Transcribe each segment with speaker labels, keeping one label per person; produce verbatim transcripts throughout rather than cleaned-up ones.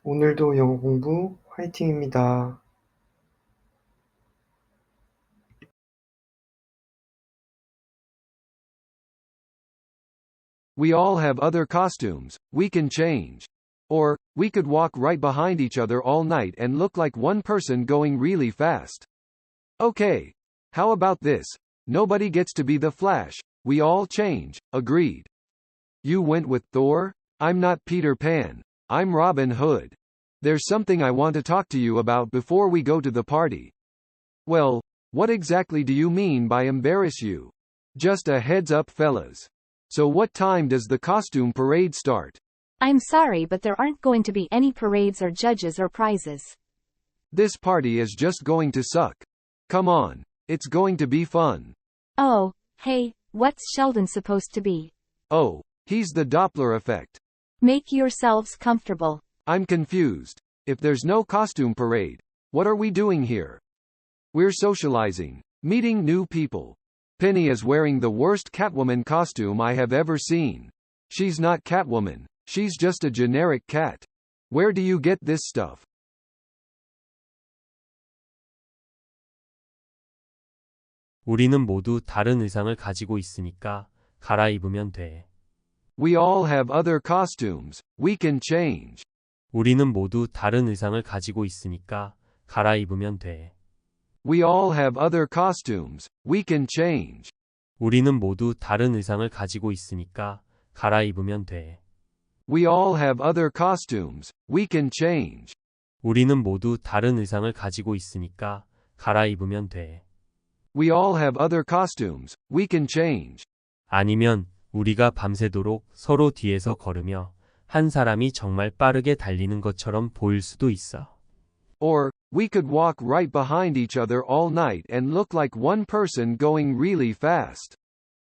Speaker 1: 오늘도 영어 공부 화이팅입니다.
Speaker 2: We all have other costumes, we can change. Or, we could walk right behind each other all night and look like one person going really fast. Okay. How about this? Nobody gets to be the Flash, we all change, agreed. You went with Thor? I'm not Peter Pan. I'm Robin Hood. There's something I want to talk to you about before we go to the party. Well, what exactly do you mean by embarrass you? Just a heads up, fellas. So what time does the costume parade start?
Speaker 3: I'm sorry, but there aren't going to be any parades or judges or prizes.
Speaker 2: This party is just going to suck. Come on. It's going to be fun.
Speaker 3: Oh, hey, what's Sheldon supposed to be?
Speaker 2: Oh, he's the Doppler effect.
Speaker 3: Make yourselves comfortable.
Speaker 2: I'm confused. If there's no costume parade, what are we doing here? We're socializing, meeting new people. Penny is wearing the worst Catwoman costume I have ever seen. She's not Catwoman, she's just a generic cat. Where do you get this stuff?
Speaker 4: 우리는 모두 다른 의상을 가지고 있으니까 갈아입으면 돼.
Speaker 2: We all have other costumes, we can change.
Speaker 4: 우리는 모두 다른 의상을 가지고 있으니까 갈아입으면 돼.
Speaker 2: We all have other costumes, we can change.
Speaker 4: 우리는 모두 다른 의상을 가지고 있으니까 갈아입으면 돼.
Speaker 2: We all have other costumes, we can change.
Speaker 4: 우리는 모두 다른 의상을 가지고 있으니까 갈아입으면 돼.
Speaker 2: We all have other costumes, we can change.
Speaker 4: 아니면 우리가 밤새도록 서로 뒤에서 걸으며 한 사람이 정말 빠르게 달리는 것처럼 보일 수도 있어.
Speaker 2: Or, we could walk right behind each other all night and look like one person going really fast.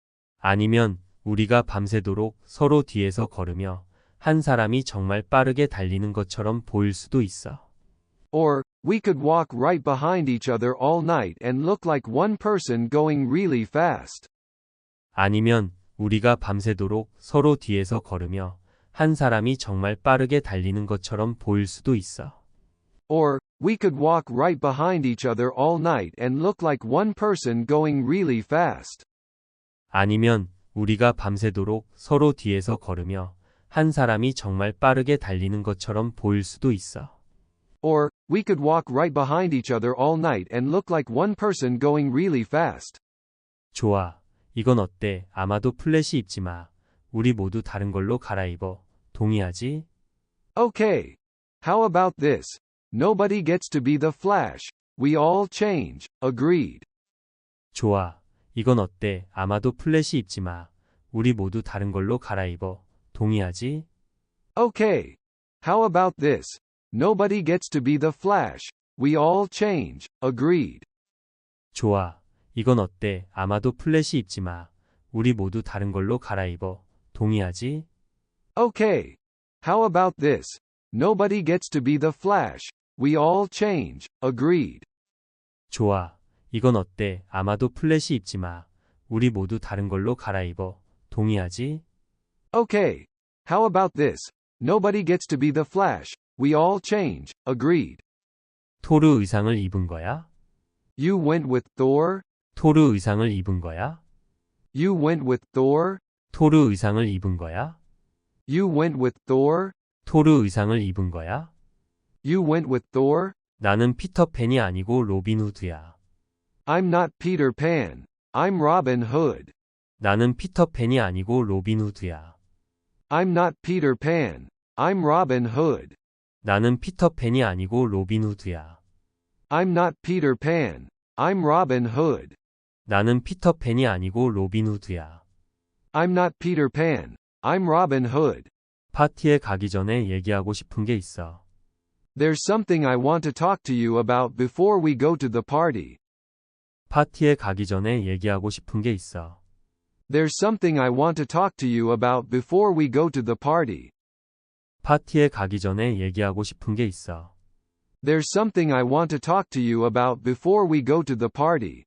Speaker 4: 아니면 우리가 밤새도록 서로 뒤에서 걸으며 한 사람이 정말 빠르게 달리는 것처럼 보일 수도 있어.
Speaker 2: Or, we could walk right behind each other all night and look like one person going really fast.
Speaker 4: 아니면 우리가 밤새도록 서로 뒤에서 걸으며 한 사람이 정말 빠르게 달리는 것처럼 보일 수도 있어.
Speaker 2: Or, we could walk right behind each other all night and look like one person going really fast.
Speaker 4: 아니면 우리가 밤새도록 서로 뒤에서 걸으며 한 사람이 정말 빠르게 달리는 것처럼 보일 수도 있어.
Speaker 2: Or, we could walk right behind each other all night and look like one person going really fast.
Speaker 4: 좋아. 이건 어때? 아마도 플래시 입지 마. 우리 모두 다른 걸로 갈아입어. 동의하지?
Speaker 2: Okay. How about this? Nobody gets to be the Flash. We all change. Agreed.
Speaker 4: 좋아. 이건 어때? 아마도 플래시 입지 마. 우리 모두 다른 걸로 갈아입어. 동의하지?
Speaker 2: Okay. How about this? Nobody gets to be the Flash. We all change. Agreed.
Speaker 4: 좋아. 이건 어때? 아마도 플래시 입지 마. 우리 모두 다른 걸로 갈아입어. 동의하지?
Speaker 2: Okay. How about this? Nobody gets to be the Flash. We all change. Agreed.
Speaker 4: 좋아. 이건 어때? 아마도 플래시 입지 마. 우리 모두 다른 걸로 갈아입어. 동의하지?
Speaker 2: Okay. How about this? Nobody gets to be the Flash. We all change. Agreed.
Speaker 4: 토르 의상을 입은 거야?
Speaker 2: You went with Thor?
Speaker 4: 토르 의상을 입은 거야?
Speaker 2: You went with Thor?
Speaker 4: 토르 의상을 입은 거야?
Speaker 2: You went with Thor?
Speaker 4: 토르 의상을 입은 거야?
Speaker 2: You went with Thor?
Speaker 4: 나는 피터팬이 아니고 로빈 후드야.
Speaker 2: I'm not Peter Pan. I'm Robin Hood.
Speaker 4: 나는 피터팬이 아니고 로빈 후드야.
Speaker 2: I'm not Peter Pan. I'm Robin Hood.
Speaker 4: 나는 피터팬이 아니고 로빈 후드야.
Speaker 2: I'm not Peter Pan. I'm Robin Hood.
Speaker 4: 나는 피터팬이 아니고 로빈 후드야.
Speaker 2: I'm not Peter Pan. I'm Robin Hood.
Speaker 4: 파티에 가기 전에 얘기하고 싶은 게 있어.
Speaker 2: There's something I want to talk to you about before we go to the party.
Speaker 4: 파티에 가기 전에 얘기하고 싶은 게 있어.
Speaker 2: There's something I want to talk to you about before we go to the party.
Speaker 4: 파티에 가기 전에 얘기하고 싶은 게 있어.
Speaker 2: There's something I want to talk to you about before we go to the party.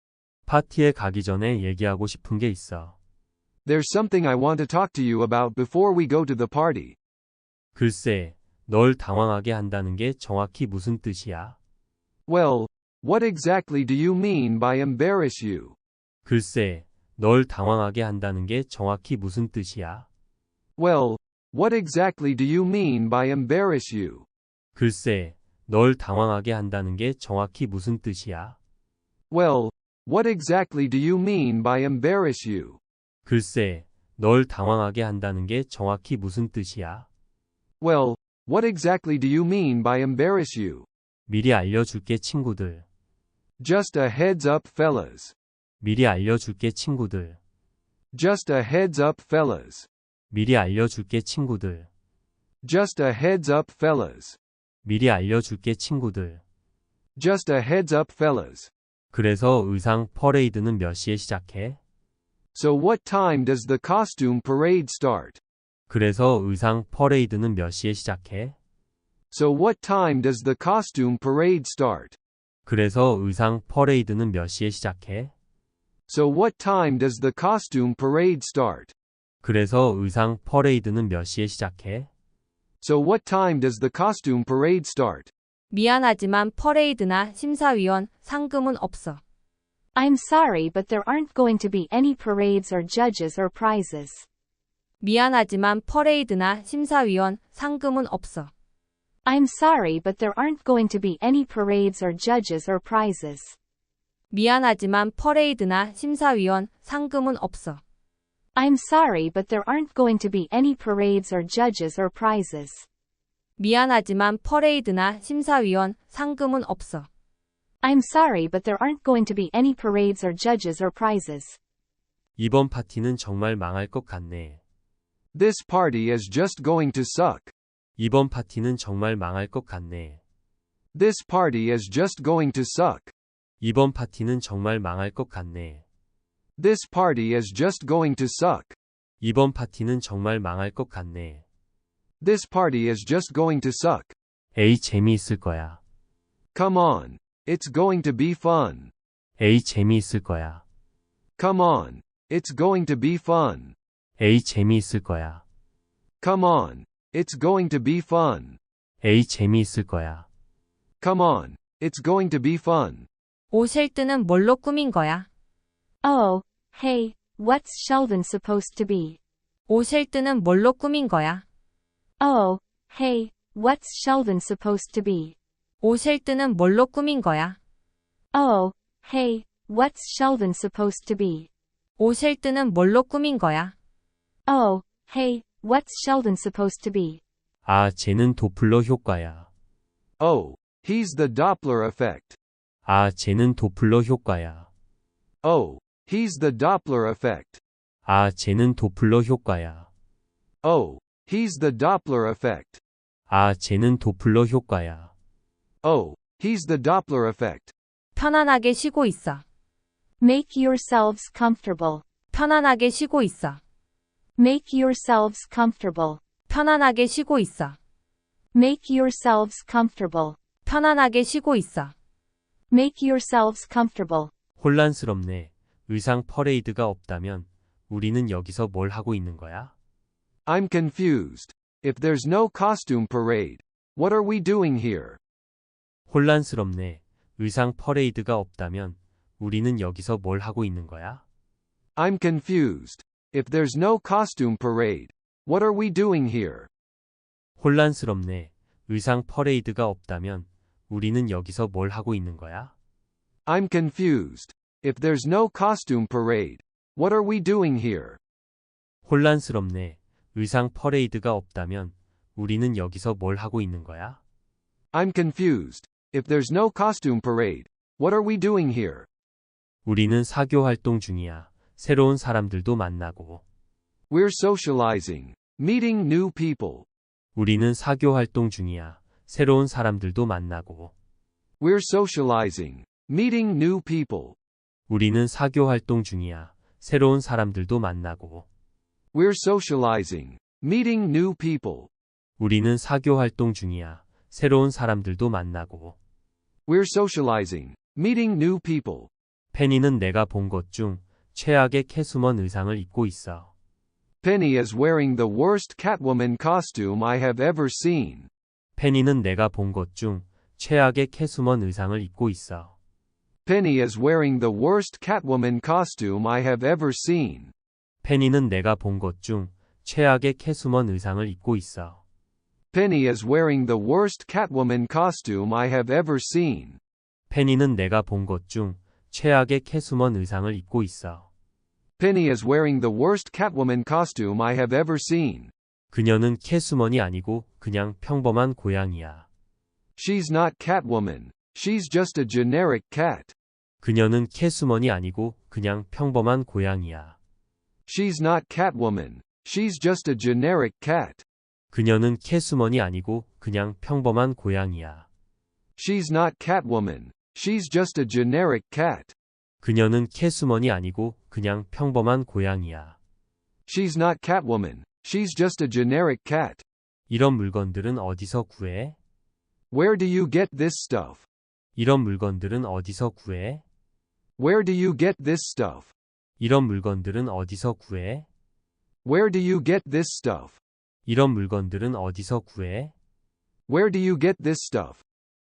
Speaker 4: 파티에 가기 전에 얘기하고 싶은 게 있어.
Speaker 2: There's something I want to talk to you about before we go to the party.
Speaker 4: 글쎄, 널 당황하게 한다는 게 정확히 무슨 뜻이야?
Speaker 2: Well, what exactly do you mean by embarrass you?
Speaker 4: 글쎄, 널 당황하게 한다는 게 정확히 무슨 뜻이야?
Speaker 2: Well, what exactly do you mean by embarrass you?
Speaker 4: 글쎄, 널 당황하게 한다는 게 정확히 무슨 뜻이야?
Speaker 2: Well, what exactly do you mean by embarrass you?
Speaker 4: 글쎄, 널 당황하게 한다는 게 정확히 무슨 뜻이야?
Speaker 2: Well, what exactly do you mean by embarrass you?
Speaker 4: 미리 알려줄게 친구들.
Speaker 2: Just a heads up, fellas.
Speaker 4: 미리 알려줄게 친구들.
Speaker 2: Just a heads up, fellas.
Speaker 4: 미리 알려줄게 친구들.
Speaker 2: Just a heads up, fellas.
Speaker 4: 미리 알려줄게 친구들.
Speaker 2: Just a heads up, fellas.
Speaker 4: 그래서 의상 퍼레이드는 몇 시에 시작해?
Speaker 2: So what time does the costume parade start?
Speaker 4: 그래서 의상 퍼레이드는 몇 시에 시작해?
Speaker 2: So what time does the costume parade start?
Speaker 4: 그래서 의상 퍼레이드는 몇 시에 시작해?
Speaker 2: So what time does the costume parade start?
Speaker 4: 그래서 의상 퍼레이드는 몇 시에 시작해?
Speaker 2: So what time does the costume parade start?
Speaker 5: 미안하지만 퍼레이드나 심사위원, 상금은 없어.
Speaker 3: I'm sorry, but there aren't going to be any parades or judges or prizes.
Speaker 5: 미안하지만 퍼레이드나 심사위원, 상금은 없어.
Speaker 3: I'm sorry, but there aren't going to be any parades or judges or prizes.
Speaker 5: 미안하지만 퍼레이드나 심사위원, 상금은 없어.
Speaker 3: I'm sorry, but there aren't going to be any parades or judges or prizes.
Speaker 5: 미안하지만 퍼레이드나 심사위원, 상금은 없어.
Speaker 3: I'm sorry, but there aren't going to be any parades or judges or prizes.
Speaker 4: 이번 파티는 정말 망할 것 같네.
Speaker 2: This party is just going to suck.
Speaker 4: 이번 파티는 정말 망할 것 같네.
Speaker 2: This party is just going to suck.
Speaker 4: 이번 파티는 정말 망할 것 같네.
Speaker 2: This party is just going to suck.
Speaker 4: 이번 파티는 정말 망할 것 같네.
Speaker 2: This party is just going to suck.
Speaker 4: 에이, 재미있을 거야.
Speaker 2: Come on. It's going to be fun.
Speaker 4: 에이, 재미있을 거야.
Speaker 2: Come on. It's going to be fun.
Speaker 4: 에이, 재미있을 거야.
Speaker 2: Come on. It's going to be fun.
Speaker 4: 에이, 재미있을 거야.
Speaker 2: Come on. It's going to be fun.
Speaker 5: 오실드는 뭘로 꾸민 거야?
Speaker 3: Oh, hey, what's Sheldon supposed to be?
Speaker 5: 오실드는 뭘로 꾸민 거야?
Speaker 3: Oh, hey, what's Sheldon supposed to be?
Speaker 5: 오실드는 뭘로 꾸민 거야?
Speaker 3: Oh, hey, what's Sheldon supposed to be?
Speaker 5: 오실드는 뭘로 꾸민 거야?
Speaker 3: Oh, hey, what's Sheldon supposed to be?
Speaker 4: 아, 쟤는 도플러 효과야.
Speaker 2: Oh, he's the Doppler effect.
Speaker 4: 아, 쟤는 도플러 효과야.
Speaker 2: Oh, he's the Doppler effect.
Speaker 4: 아, 쟤는 도플러 효과야.
Speaker 2: Oh, he's the Doppler effect.
Speaker 4: 아, 쟤는 도플러 효과야.
Speaker 2: Oh, he's the Doppler effect.
Speaker 5: 편안하게 쉬고 있어.
Speaker 3: Make yourselves comfortable.
Speaker 5: 편안하게 쉬고 있어.
Speaker 3: Make yourselves comfortable.
Speaker 5: 편안하게 쉬고 있어.
Speaker 3: Make yourselves comfortable.
Speaker 5: 편안하게 쉬고 있어.
Speaker 3: Make yourselves comfortable.
Speaker 4: 혼란스럽네. 의상 퍼레이드가 없다면 우리는 여기서 뭘 하고 있는 거야?
Speaker 2: I'm confused. If there's no costume parade, what are we doing here?
Speaker 4: 혼란스럽네. 의상 퍼레이드가 없다면 우리는 여기서 뭘 하고 있는 거야?
Speaker 2: I'm confused. If there's no costume parade, what are we doing here?
Speaker 4: 혼란스럽네. 의상 퍼레이드가 없다면 우리는 여기서 뭘 하고 있는 거야?
Speaker 2: I'm confused. If there's no costume parade, what are we doing here?
Speaker 4: 혼란스럽네. 의상 퍼레이드가 없다면 우리는 여기서 뭘 하고 있는 거야?
Speaker 2: I'm confused. If there's no costume parade, what are we doing here?
Speaker 4: 우리는 사교 활동 중이야. 새로운 사람들도 만나고.
Speaker 2: We're socializing, meeting new people.
Speaker 4: 우리는 사교 활동 중이야. 새로운 사람들도 만나고.
Speaker 2: We're socializing, meeting new people.
Speaker 4: 우리는 사교 활동 중이야. 새로운 사람들도 만나고.
Speaker 2: We're socializing, meeting new people.
Speaker 4: 우리는 사교 활동 중이야. 새로운 사람들도 만나고.
Speaker 2: We're socializing, meeting new people.
Speaker 4: 페니는 내가 본 것 중 최악의 캐수먼 의상을 입고 있어.
Speaker 2: Penny is wearing the worst Catwoman costume I have ever seen.
Speaker 4: 페니는 내가 본 것 중 최악의 캐수먼 의상을 입고 있어.
Speaker 2: Penny is wearing the worst Catwoman costume I have ever seen.
Speaker 4: 페니는 내가 본 것 중 최악의 캐수먼 의상을 입고 있어.
Speaker 2: Penny is wearing the worst Catwoman costume I have ever seen.
Speaker 4: 페니는 내가 본 것 중 최악의 캐수먼 의상을 입고 있어.
Speaker 2: Penny is wearing the worst Catwoman costume I have ever seen.
Speaker 4: 그녀는 캐수먼이 아니고 그냥 평범한 고양이야.
Speaker 2: She's not Catwoman. She's just a generic cat.
Speaker 4: 그녀는 캐수먼이 아니고 그냥 평범한 고양이야.
Speaker 2: She's not Catwoman. She's just a generic cat.
Speaker 4: 그녀는 캐수먼이 아니고 그냥 평범한 고양이야.
Speaker 2: She's not Catwoman. She's just a generic cat.
Speaker 4: 그녀는 캐수먼이 아니고 그냥 평범한 고양이야.
Speaker 2: She's not Catwoman. She's just a generic cat.
Speaker 4: 이런 물건들은 어디서 구해?
Speaker 2: Where do you get this stuff?
Speaker 4: 이런 물건들은 어디서 구해?
Speaker 2: Where do you get this stuff?
Speaker 4: 이런 물건들은 어디서 구해?
Speaker 2: Where do you get this stuff?
Speaker 4: 이런 물건들은 어디서 구해?
Speaker 2: Where do you get this stuff?